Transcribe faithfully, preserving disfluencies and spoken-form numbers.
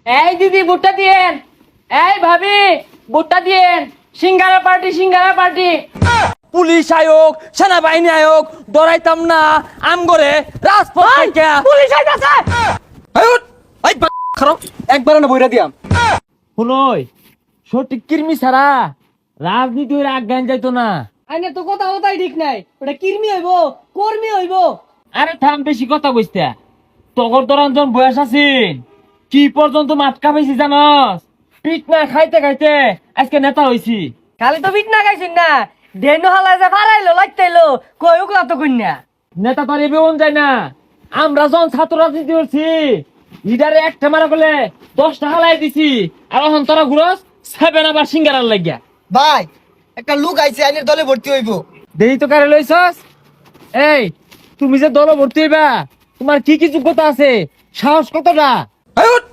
এই দিদি ভুট্টা দিয়েন, এই ভাবি ভুট্টা দিয়েন, সিঙ্গারা পার্টি সিঙ্গারা পার্টি। পুলিশ আয়োগ সেনাবাহিনী আয়োগ ডরাইতাম না আম করে রাজপথ থেকে পুলিশ আইতাছে। একবার না বইরা দিয়াম শুনই সঠিক কির্মি ছাড়া রাজনীতি হইলে আজ্ঞান যাইতো না। আইনে তো কথা কথাই ঠিক নাই, ওটা কির্মি হইব কর্মী হইব। আরে থাম বেশি কথা কইস্তা তগর দরঞ্জন বয়স আছিস কি পর্যন্ত মাটকা পাইছি জানস পিট না খাইতে খাইতে আজকে নেতা হইছি। খালি তো বিট না গাইছেন না, দেনু হালা যে ফারাইলো লাগতাইলো কই উকলা তো কইনা। নেতা তো আর এবেউন যায় না। আমরা যখন ছাত্র রাজনীতি করছি লিডারে একটা মারা করলে দশটা হালাই দিছি আর এখন তোরা ঘুরস সেভেন আবার সিঙ্গারার লাগিয়া। ভাই একটা লোক আইছে আইনের দলে ভর্তি হইব। দেরি তো কারে লইছস? এই তুমি যে দল ভর্তি হইবা তোমার কি কি যোগ্যতা আছে সাহস কতটা?